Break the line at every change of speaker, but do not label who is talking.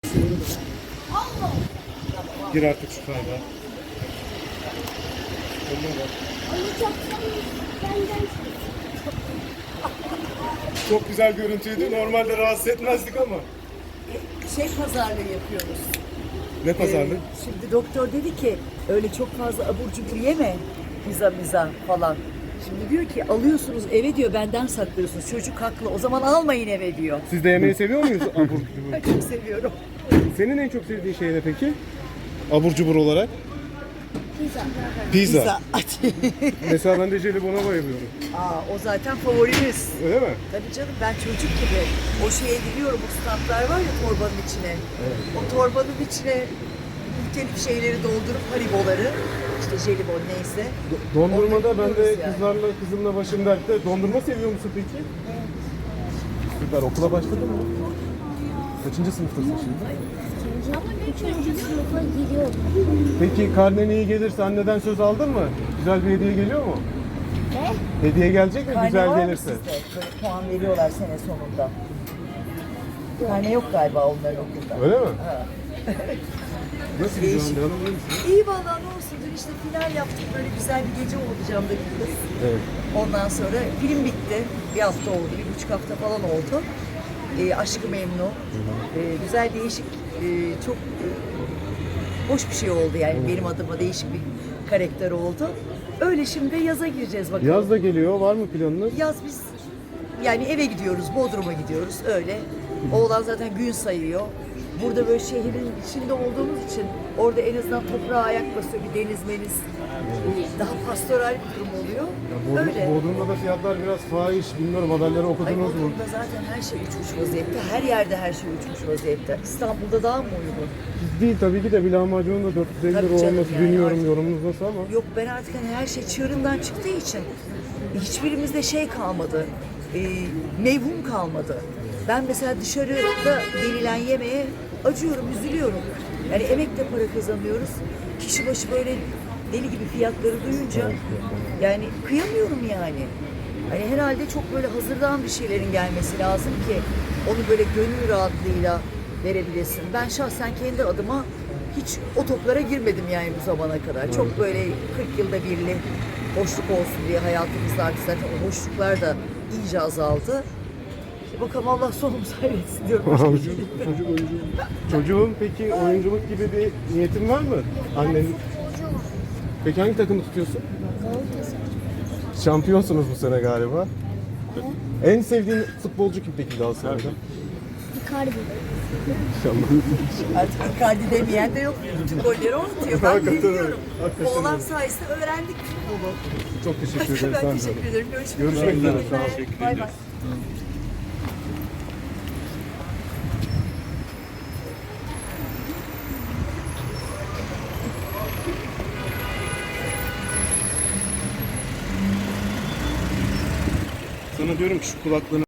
Gir artık şu kayda. Çok güzel görüntüydü. Normalde rahatsız etmezdik ama.
Pazarlığı yapıyoruz.
Ne pazarlık?
Şimdi doktor dedi ki öyle çok fazla abur cubur yeme. Pizza falan. Şimdi diyor ki alıyorsunuz eve diyor benden saklıyorsunuz. Çocuk haklı. O zaman almayın eve diyor.
Siz de yemeği seviyor muyuz abur cubur?
Ben çok seviyorum.
Senin en çok sevdiğin şey ne peki? Abur cubur olarak?
Pizza.
Pizza.
Pizza.
Mesela ben de jelibona bayılıyorum.
O zaten favorimiz.
Öyle mi?
Tabii canım ben çocuk gibi o şeye gidiyorum, o standlar var ya torbanın içine. O torbanın içine muhtelif şeyleri doldurup hariboları, işte jelibon neyse.
Dondurmada
onları
ben de
yiyoruz yani.
kızımla başım dertte. Dondurma seviyor musun peki? Süper. Okula başladın mı? Kaçıncı sınıftasın şimdi?
Ama 3. sınıfa gidiyorum.
Peki karnen iyi gelirse anneden söz aldın mı? Güzel bir hediye geliyor mu?
Ne?
Hediye gelecek mi
Karne
güzel
var mı
gelirse?
sizde? Böyle puan veriyorlar sene sonunda. Karne yok galiba onların okulda.
Öyle mi?
Ha.
Nasıl gidiyor Hande Hanım? İyi misin?
İyi vallahi ne olsun dün işte final yaptık, böyle güzel bir gece oldu camda bir kız.
Evet.
Ondan sonra film bitti. Bir hafta oldu, 1,5 hafta falan oldu. Aşk-ı Memnu. Güzel, değişik, çok hoş bir şey oldu yani benim adıma değişik bir karakter oldu. Öyle şimdi yaza gireceğiz bakalım.
Yaz da geliyor. Var mı planınız?
Yaz biz yani eve gidiyoruz, Bodrum'a gidiyoruz öyle. Oğlan zaten gün sayıyor. Burada böyle şehrin içinde olduğumuz için orada en azından toprağa ayak basıyor, bir deniz meniz. Daha pastoral bir durum oluyor. Öyle.
Bodrum'da da fiyatlar biraz fahiş. Bilmiyorum haberleri
Ay
okudunuz mu?
Bodrum'da zaten her şey uçmuş vaziyette. Her yerde her şey uçmuş vaziyette. İstanbul'da daha mı uygun?
Değil tabii ki de bir lahmacunun da 450
Tabii
lira
canım
olması
yani
bilmiyorum
artık-
yorumunuz nasıl ama.
Yok ben artık hani her şey çığırından çıktığı için hiçbirimizde şey kalmadı. Mevhum kalmadı. Ben mesela dışarıda verilen yemeğe acıyorum, üzülüyorum. Yani emekle para kazanıyoruz. Kişi başı böyle deli gibi fiyatları duyunca yani kıyamıyorum yani. Hani herhalde çok böyle hazırdan bir şeylerin gelmesi lazım ki onu böyle gönül rahatlığıyla verebilesin. Ben şahsen kendi adıma hiç o toplara girmedim yani bu zamana kadar. Çok böyle 40 yılda birli boşluk olsun diye hayatımızda artık zaten o boşluklar da iyice azaldı. İşte bakalım Allah sonumuzu hayretsin diyorum.
Çocuğun peki oyunculuk gibi bir niyetin var mı? Annenin. Peki hangi takımı tutuyorsun?
Galatasaray.
Şampiyonsunuz bu sene galiba. En sevdiğin futbolcu kim peki Galatasaray'da?
Icardi.
İnşallah.
Artık Icardi demeyen de yok. Bütün golleri o atıyor. Ben
Hakikaten öyle.
biliyorum.
Hakikaten
Oğlan
öyle.
sayesinde öğrendik futbolu.
Çok teşekkür ederim.
Ben teşekkür ederim. Görüşmek
Görüşmek
üzere.
üzere. Sağ ol.
Bay bay.
Sana diyorum ki şu kulaklığını